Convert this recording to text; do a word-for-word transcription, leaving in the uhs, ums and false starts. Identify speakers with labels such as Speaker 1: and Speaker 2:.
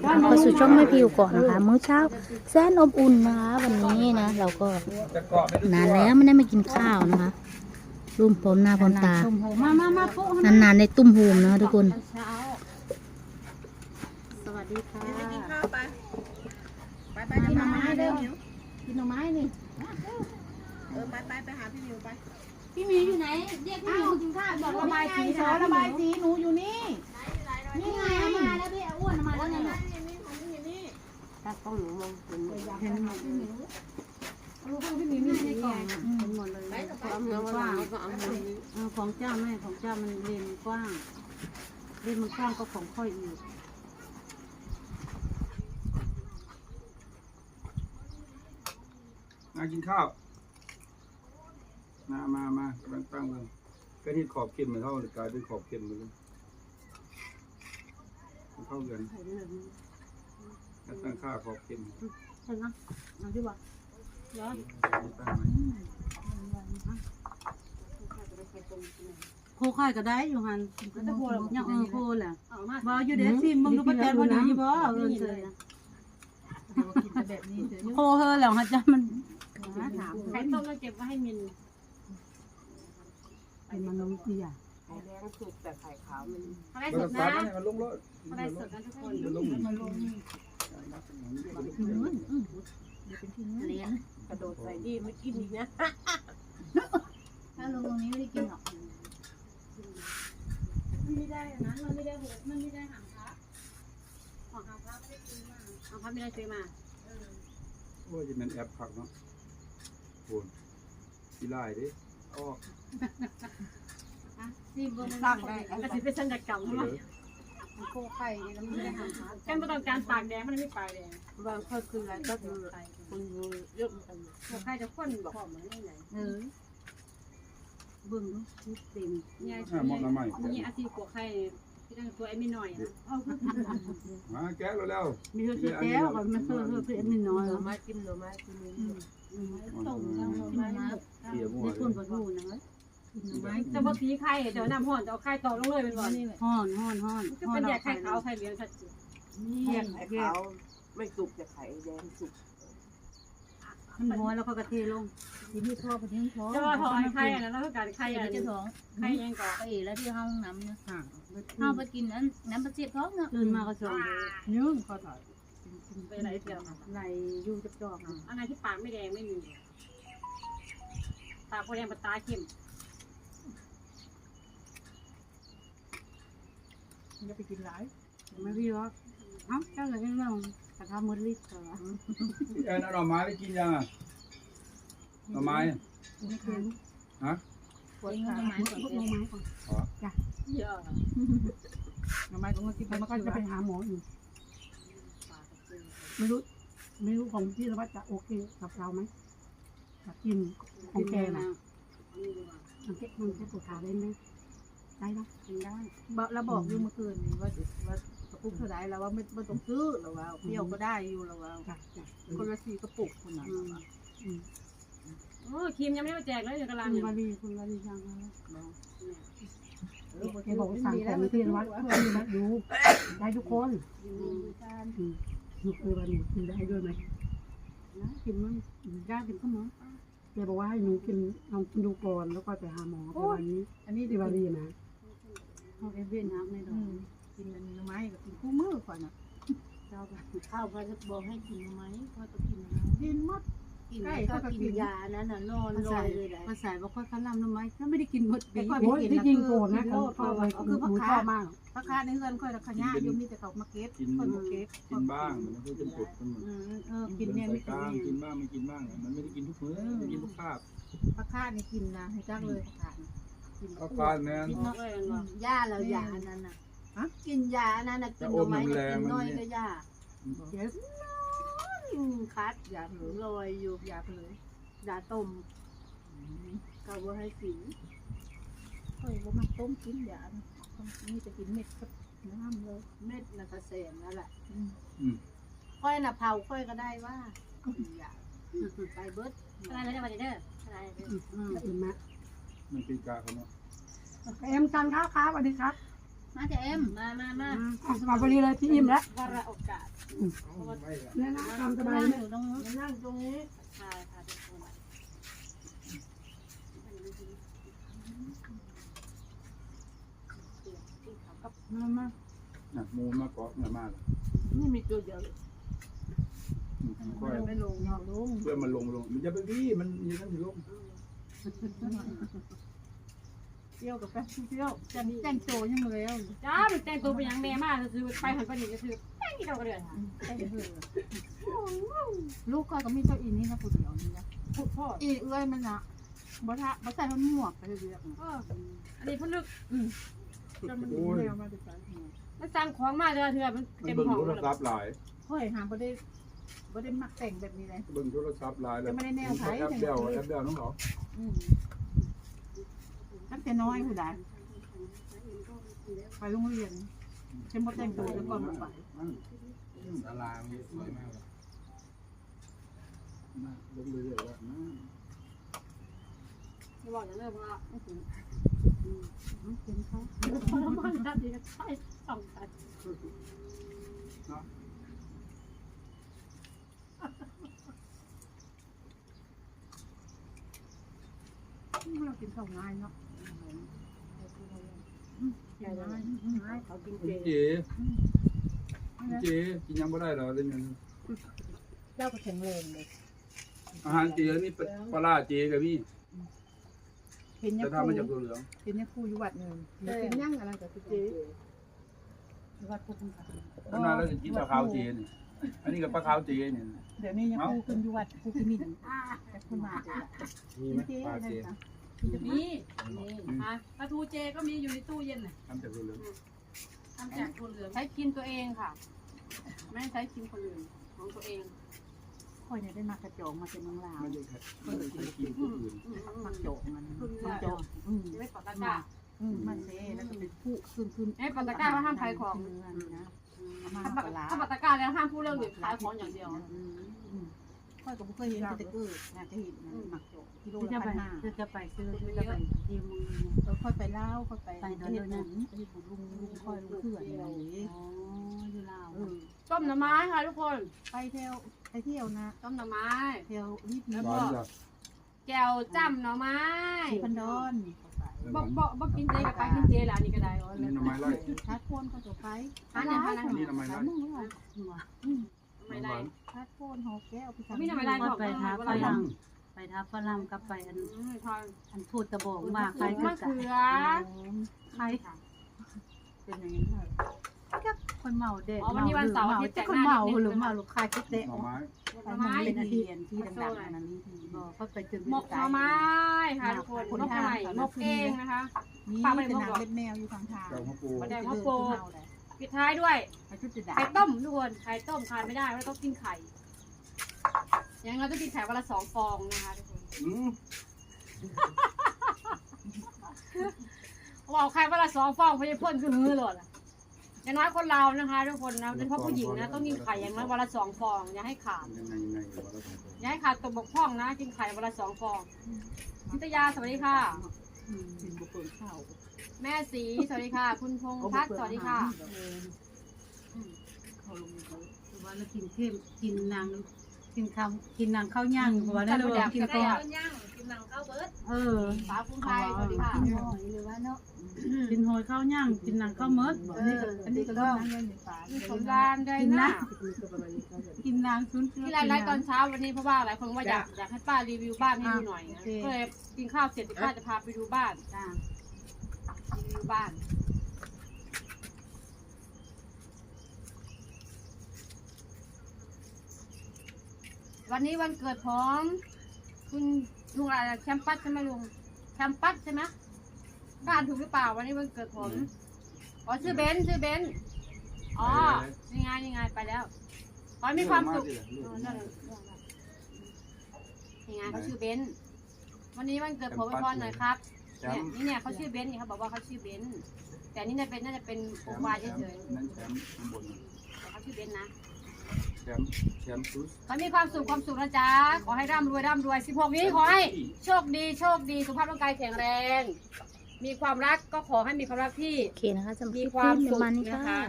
Speaker 1: เข้าสู่ช่องแม่พิวก่อนนะคะมื้อเช้าแสนอบอุ่นนะคะวันนี้นะเราก็นานแล้วไม่ได้มากินข้าวนะคะรุ่มพลหน้าพลตา
Speaker 2: มามามาปุ๊
Speaker 1: นานๆในตุ้มหูมนะคะทุกคน
Speaker 2: สวัสดีค่ะ
Speaker 3: ไปกินข้าวไป ไปไป
Speaker 2: กินหน่อ
Speaker 3: มา
Speaker 2: ไม้
Speaker 3: เร็
Speaker 2: เร็
Speaker 3: ว
Speaker 2: วกินหน่อไม้นี่
Speaker 3: เออไปไปไปหาพี่มิวไป
Speaker 2: พี่มีอยู่ไหนเรียกพี่มีกินข้าวบอกระบายสีขอระบายสีหนูอยู่นี่นี่ไงมาแล้วพี่อ้วนมาแล้วไงลูก
Speaker 3: นี่ของพี่มิวนี่
Speaker 2: ถ้ากล้องหนูมองเห็นเห็นหมดพี่มีลูกพี่มีมีในกล่องเห็นหมดเลยความเนื้อกว้างของเจ้าแม่ของเจ้ามันเรียนกว้างเรียนมันกว้างก็ของค่อยอีก
Speaker 4: มากินข้าวมามามากำลังตั้งวงก็ที่ขอบเข็มเหมือนเท่ากลายเป็นขอบเข็มเหมือนกันเข้ากันแล้วตั้งค่าขอบเข็ม
Speaker 2: ใช่ไหมเอาที่ว่าเดี๋ยว
Speaker 4: ตั้งไหม
Speaker 2: โคค่ายก็ได้อยู่หันยังเออโคแหละบ่อยู่เด็กซิมมึงดูประแตนพอดีบ่เออเฉยโคเฮอแล้วฮะจ้ามันไข่ต้มเราเก็บไว้ให้มินเป็นมันนมเสีย
Speaker 3: ไข่แดงสุกแต่ไข่ขาวมัน
Speaker 2: อะไร
Speaker 4: มัน
Speaker 2: ส
Speaker 4: จะ
Speaker 2: ด
Speaker 4: ซั
Speaker 2: นะ
Speaker 4: ดมันลงรถ
Speaker 2: อะไรสดนะทุกคน
Speaker 4: มันลง
Speaker 2: เลี้ยง
Speaker 3: กระโดดใส่ดีไม่กินอีกนะ
Speaker 2: ถ้าลงตรงนี้ไม่ได้กินหรอกมันไม่ได้นะมันไม่ได้หัวมันไม่ได้หางพระของหางพระไม่ได้ซื้อมาหางพระไม่ได้ซื้อมา
Speaker 4: โอ้ยจะเป็นแอปผักเนาะโอนกีฬาดิอ้อ
Speaker 2: ซีบน
Speaker 3: สร้างได้
Speaker 2: กระสิเป็นสัญญกรรม
Speaker 4: เอ
Speaker 2: ใช่ไหม
Speaker 3: มันโคไข่แล้วมันไม่ได้หางขา
Speaker 2: การประกอบการปากแดงมันไม่ปากแดง
Speaker 3: บางคนคืออะไรก็คือคนดูเยอะเหมือนกัน
Speaker 2: หัวไข่จะข้นบอกเหมือนนี่ไหนเออเบิ่งดูเต็มเนี่ย
Speaker 4: อ่ามองน้ำใหม่
Speaker 2: นี่อาชีพหัวไข่ที่ตั้งตัวไอ้ไม่น้อยนะเอาคือ
Speaker 4: มาแกะแล้ว
Speaker 2: มีเธอแก้วกับมันเธอเธอเป็นไม่น้อย
Speaker 3: หน่อไม้กินหน่อไม้กินนี่
Speaker 2: ต้มแล้วไม้
Speaker 4: เกี่ยวมั่ว
Speaker 2: ได้
Speaker 4: เล
Speaker 2: คน
Speaker 4: ย
Speaker 2: ประทูนะเว้ยจะมาตีไข่เดี๋ยวน้ำห่อนจะเอาไข่ต่อลงเลยเป็นวันนี้เลยห่อนห่อนห่อนก็เป็นแยกไข่ขาวไข่เหลืองชัดเจน
Speaker 3: แยกไข่ขาวไม่สุกแต่ไข่แดงสุก
Speaker 2: มันหัวแล้วก็กระเทลง
Speaker 1: ที่พี่ชอบไปทิ้งท้อง
Speaker 2: จะว่าถอยไข่อันนั้นแล้วก็การไข่อัน
Speaker 1: จะ
Speaker 2: นี้
Speaker 1: ท้อง
Speaker 2: ไข่ยังก่อ
Speaker 1: ไปแล้วที่ห้องน้ำเนี่ยเข้าไปกินนั้นน้ำประเจี๊ยบท้องเนาะ
Speaker 2: ตื่นมาก็ชง
Speaker 1: ยืมเขาถ่าย
Speaker 2: ไปไหนเดียว
Speaker 1: ไหลยูจับจอก
Speaker 2: อะไรที่ปากไม่แดงไม่มีปากแดงปากตาเข้ม
Speaker 1: จะไปกินหลาย
Speaker 2: ไม่พี่ว่าเอ้าเจ้าอะไรเรื่องกระทำมือลิดเหรอ
Speaker 4: เอ็นเอาหน่อไม้ไปกินยังอ่ะหน่อไม้ฮะ
Speaker 1: ปวดขา
Speaker 2: พวกน้องไม้ก่อนจ้ะเยอะ
Speaker 1: ทำไมต้องมากิน
Speaker 2: มันก็จะไปหาหมออยู่ไม่รู้ไม่รู้ของพี่ว่าจะโอเคกับเราไหมกับกินของแกนะมันแค่มันแค่ปวดขาได้ไหมได้นะกินได้
Speaker 1: เราบอกอยู่เมื่อคืนนี้ว่าว่ากระปุกเท่าไรแล้วว่าไม่ไม่ต้องซื้อหรอว่าเปรี้ยวก็ได้อยู่หรอว่า
Speaker 2: จ้ะจ้ะ
Speaker 1: คนละสี่กระปุกคนนั้น
Speaker 2: โอ้ครีมยังไม่ได้มาแจกเลยอยู่กำลังคุณวารีคุณวารีสั่งแล้วแกบอกสั่งของที่วัดเพื่อนวัดดูได้ทุกคนหนูเคยวันหนูกินได้ด้วยไหมนะกินมั้งกล้ากินก็มั้งแกบอกว่าให้หนูกินลองกินดูก่อนแล้วก็ไปหาหมอแต่วันนี้
Speaker 1: อันนี้
Speaker 2: ที่
Speaker 1: ดี
Speaker 2: วา
Speaker 1: ว่า
Speaker 2: รี
Speaker 1: ดี
Speaker 2: นะเขาเอเวนน้ำในดอก
Speaker 1: กินมันไม้กับกินคู่มือก่อนอ่ะ
Speaker 2: เจ้าข้าวพระบอกให้กินไหมก็ต้องกินนะ
Speaker 1: กินมัด
Speaker 2: กินก็กินยานั้นน่ะนอนลอยเลยแหละภาษาบอกค่อยคันลำทำไมถ้าไม่ได้กินหมดปีที่จริงโกรธนะเขาเขาคือพักชอบมาก
Speaker 1: พระค้าในเฮือนค่อยขย่าอยู่มีแต่เขามาเก็บ
Speaker 4: กิน
Speaker 1: คนมาเก็บ
Speaker 4: กินบ้างมันไม่ใช่เป็นปุดมัน
Speaker 1: เออกินเนี่ย
Speaker 4: ใส่
Speaker 1: ไม่
Speaker 4: กลาง
Speaker 1: กิน
Speaker 4: กินบ้างไม่กินบ้างมันไม่ได้กินทุกมื้อไม่กินทุกคาบ
Speaker 1: พระค้านี่กินนะให้จักเลยพระค้ากิน
Speaker 4: ข้าวปลาแม่น
Speaker 2: กินนกเลยเนาะ
Speaker 3: ยาแล้วยานั่นน่ะกินยานั่นน่ะกินหน่อไม้กินน้อยก็ยา
Speaker 1: เดี๋ยว
Speaker 3: คัดยาหนูลอยอยู่ยาเลยยาต้มก็ว่าให้กิน
Speaker 1: ค่อยว่ามาต้มกินยานี่จะกินเม็ดกับน้ำเลย
Speaker 3: เม็ดน่ะกระเสมนั่นแหละ
Speaker 4: อืม
Speaker 3: ค่อยน่ะเผาค่อยก็ได้ว่าอยากไปเบิด
Speaker 2: อะไรแล้วจะมาเด้ออะไร
Speaker 1: อืมมะ
Speaker 4: มันตีกาเขาเนาะ
Speaker 2: เอ็มจันครับครับสวัสดีครับ
Speaker 1: มาจะเอ็มมามามา
Speaker 2: สบายพอดีเลยพี่อิ่มแล้ว
Speaker 3: วาระโอกาส
Speaker 2: เนี่ยนะตามสบาย
Speaker 1: นั่ง
Speaker 2: เนี่
Speaker 1: อย ยู่ตรงนู้น
Speaker 3: นั่งตรงนี้ใช่ค่ะทุกคน
Speaker 2: มามา
Speaker 4: น่ะมูลมาเกาะเงยมาก
Speaker 3: นี่มีตัวเดียว
Speaker 4: ค่อย
Speaker 3: ไม่ลงเนาะลุง
Speaker 4: เพื่อมันลงลงมันจะไปวี่มันมีทั้งที่ลง
Speaker 3: เที่ยวกับแป๊บเที่ยว
Speaker 2: จะแต่งโตยังเลยอ่ะ
Speaker 3: จ้ามันแต่งตัวเป็นยังแม่มากซื้อไปหันไปหนีก็ซื้อแป้งที่เราก็เลยค่ะ
Speaker 2: ลูกก็ก็มีเจ้าอีนี่นะผู้เดียวนี่นะ
Speaker 3: พูดพ่อ
Speaker 2: อีเอ้ยมันนะบ่ทะบ่ใส่มันหมวกไปเรื่อย
Speaker 3: เอออันนี้พนึก
Speaker 2: ๆจนมันแนวมาจะใส่
Speaker 3: มันสั่งของมาเดือเถื่อมัน
Speaker 4: มัน
Speaker 3: เต็ม
Speaker 4: เบิ่ง
Speaker 3: ห้อง
Speaker 4: โทร
Speaker 3: เลย
Speaker 4: ศัพท์หลาย
Speaker 2: ค่อยหาบ่ได้บ่ได้มักแต่งแบบนี้เลย
Speaker 4: เบิ่งโทรศัพท์หลายแล้ว
Speaker 2: จะไม่ได้แนวไทย
Speaker 4: แอปเดียวแอปเดียวน้องเหรอ
Speaker 2: อืมตั้งแต่น้อยผู้ใดไปโรงเรียนเช่นบ่แต่งตัวแล้วก่อนบ่ไป
Speaker 5: ศาลามันสวยมากเลย
Speaker 4: มาลงเรื่อยๆว่ามา
Speaker 3: จะบอกอย่างนี้เพราะว่า
Speaker 2: กินเขา
Speaker 3: ทรมานจัดดีก็ใช่สองกัน
Speaker 2: เรากินข้าวง่ายเนาะกินง่ายง่าย
Speaker 3: เขากิน
Speaker 4: คุณ
Speaker 3: เจ
Speaker 4: เจคุณเจกินยังไม่ได้เหรอเลยเนี่ย
Speaker 2: เจ้าก็แข็งแรงเลย
Speaker 4: อาหารเจนี่เป็นปลาร้าเจกับพี่
Speaker 2: เห็นเนี่ย
Speaker 4: จะทำมาจากตัวเหลือง
Speaker 2: เห็นเนี่ยครูอยู่วัดหนึ่งเดี๋ยวเป็นย่างอะไรกับพี่เจ๊วัดพุทธค่ะ
Speaker 4: ขนาดเราจะกินปลาขาวเจนี่อันนี้กับปลาขาวเจนี่
Speaker 2: เดี๋ยวนี้เนี่ยครูขึ้นอยู่วัดครูกิมินแต่คุณมาเจ๊
Speaker 5: มีไหม
Speaker 2: เจ๊
Speaker 5: ปลา
Speaker 2: อะไร
Speaker 5: เจ
Speaker 2: นะ
Speaker 3: มีฮะปลาทูเจก็มีอยู่ในตู้เย็นน่ะ
Speaker 4: ทำจากตัวเหลือง
Speaker 3: ทำจากตัวเหลืองใช้กินตัวเองค่ะ ไม่ใช้กินคนอื่นของตัวเอง
Speaker 2: ค่อยเนี่ยได้มากระจองมาจากเมืองลาว
Speaker 4: ไม่ได้แค่ไม่ได้ใช้กินผู้อื่น
Speaker 2: มักโจกมันมักโจกอืม
Speaker 3: ไม่ปอตะกร้า
Speaker 2: อืมมันเซ่แล้วก็เป็นผู้ขึ้นขึ้น
Speaker 3: ไอ้ปอตะกร้าว่าห้ามขายของ
Speaker 2: นะมา
Speaker 3: ถ้า
Speaker 2: ปลา
Speaker 3: ถ้าปอตะกร้าแล้วห้ามพูดเรื่องอื่นขายของอย่างเดียว
Speaker 2: ค่อยก็ไม่เคยเห็นแต่เกิดนะจะเห็นมักโจกกิโลละพันห้า
Speaker 1: จะไปซื้อจะไปเตรียมมือ
Speaker 2: เราค่อยไปเล่าค่อยไปไปเฮ็ดบุญไปเฮ็ดบุญลุงลุงค่อยลุงเขื่อนอะไรอย่างงี้
Speaker 1: อ๋ออยู่ลาว
Speaker 2: เออ
Speaker 3: ต้มหน่อไม้ค่ะทุกคน
Speaker 2: ไปเที่ยวไปเที่ยวนะ
Speaker 3: ต้มหน่อไม้
Speaker 2: เที่ยวรีบ
Speaker 3: แล้ว
Speaker 2: นะ
Speaker 3: ก็
Speaker 4: ร้านจ้ะ
Speaker 3: แก้วจ้ำหน่อไม้
Speaker 2: สีพันดอน
Speaker 3: บ่บ่บ่กินเจกับไปกินเจแล้วนี่ก็ได้
Speaker 4: อันนี้หน่อไม้ไร่
Speaker 2: ชาร์จโฟนก็จะไป
Speaker 3: อันนี้อันนั้น
Speaker 4: อันนี้หน่อไม้ไร่
Speaker 2: มึงเหรอ
Speaker 3: ไม่ได้
Speaker 2: ชาร์จโฟนหกแก้วพี่
Speaker 3: มีหน่อไม้ไร่ของ
Speaker 1: ไปทับ
Speaker 3: ฝ
Speaker 1: ฝ
Speaker 3: รั่
Speaker 1: รั่
Speaker 3: ง
Speaker 1: งไปทับฝรั่งกับไปอัน
Speaker 3: ทอน
Speaker 1: อันพูดตะบอกว่าใคร
Speaker 3: มะ
Speaker 1: ก็
Speaker 3: เขือ
Speaker 1: ใครเป็นอย่างนี้ก็คนเมาเด็ก
Speaker 3: อ๋อวันนี้วันเสาร์อาทิตย์แต่ง
Speaker 2: คน
Speaker 3: หน้า
Speaker 2: เมา
Speaker 3: นิด
Speaker 2: ห
Speaker 3: นึ
Speaker 2: รือง เมาลูกค้าคิดเตะ
Speaker 4: หน่อไม้
Speaker 3: หน่อไม้
Speaker 2: เป็นอาทิตย์ที่ดังๆอันนั้นนี่
Speaker 1: บอกเขาไปถึง
Speaker 3: หมกหน่อไม้ค่ะทุกคนหมกใหม่หมกเองนะคะ
Speaker 2: นี่เป็นนางเล็บแมวอยู่ทางทาง
Speaker 4: แก้วข้าวปู
Speaker 3: แดงข้าวโพดปิดท้ายด้วย
Speaker 2: ไปชุดจะด่า
Speaker 3: ไข่ต้มทุกคนไข่ต้มทานไม่ได้เราต้องกินไข่อย่างเราต้องกินไข่วันละสองฟองนะคะทุกคน
Speaker 4: อืม
Speaker 3: บอกไข่วันละสองฟองพยาพ่นคือฮือเลยอย่างน้อยคนเรานะคะทุกคนนะโดยเฉพาะผู้หญิงนะต้องกินไข่อย่างน้อยวันละสองฟองอย่าให้ขาด
Speaker 4: ยังไงยังไงวะเราสองคน
Speaker 3: อย่าให้ขาดตัวบกพร่องนะกินไข่วันละสองฟองนิตยาสวัสดีค่ะ
Speaker 2: กินบุกเปิดข้าว
Speaker 3: แม่สีสวัสดีค่ะ คุณพงษ์พัฒน์สวัสดีค่ะ
Speaker 2: เขาลงมือ
Speaker 1: ว่าเรากินเข้มกินนางกินข้าวกินนางข้าวย่างเพราะว่าได้เรากินก่อน
Speaker 3: กินหนังข้าวเบิร์ด
Speaker 1: เออ
Speaker 3: สาวคุณไทยสวัสดีค่ะ
Speaker 2: กินหอยหรือว่าเนาะ
Speaker 1: กินหอยข้าวย่างกินนางข้าวมด
Speaker 2: อันนี้ก็อันนี้ก็ต้องนั่งเล่นในป่า
Speaker 3: มีสงกรานต์ด้วยนะ
Speaker 1: กินนางชุน
Speaker 3: ที่ไลฟ์ตอนเช้าวันนี้เพราะว่าหลายคนว่าอยากอยากให้ป้ารีวิวบ้านให้ดูหน่อยนะก็เลยกินข้าวเสร็จป้าจะพาไปดูบ้าน
Speaker 1: จ้า
Speaker 3: รีวิวบ้าน วันนี้วันเกิดของคุณลุงอะไรแคมปัสใช่ไหมลุงแคมปัสใช่ไหมบ้านถูกหรือเปล่าวันนี้วันเกิดผมอ๋อชื่อเบนซ์ชื่อเบนซ์อ๋อยังไงยังไงไปแล้วขอให้มีความสุขยังไงเขาชื่อเบนซ์วันนี้วันเกิดผมไปพรหน่อยครับ
Speaker 4: แช
Speaker 3: เนี่ย
Speaker 4: มป์
Speaker 3: นี่เนี่ยเขาชื่อเบนซ์นี่เขาบอกว่าเขาชื่อเบนซ์แต่นี่น่าเป็นน่าจะเป็นโปรไฟล์เฉย
Speaker 4: นั่นแชมป์ข้างบน
Speaker 3: ๆแต่เขาชื่อเบนซ์นะ
Speaker 4: แชมป์แชมป์ซุส
Speaker 3: ขอให้มีความสุขความสุขนะจ๊ะขอให้ร่ำรวยร่ำรวยสิบหกนี้ขอให้โชคดีโชคดีสุขภาพร่างกายแข็งแรงมีความรักก็ขอให้มีความรักที่
Speaker 1: โอเคนะคะสำหรับค
Speaker 3: มี
Speaker 1: ลิป
Speaker 3: ความ
Speaker 1: นี้
Speaker 3: สุข
Speaker 1: ประมาณนี้
Speaker 3: นะ
Speaker 1: ค่ะ
Speaker 3: คะ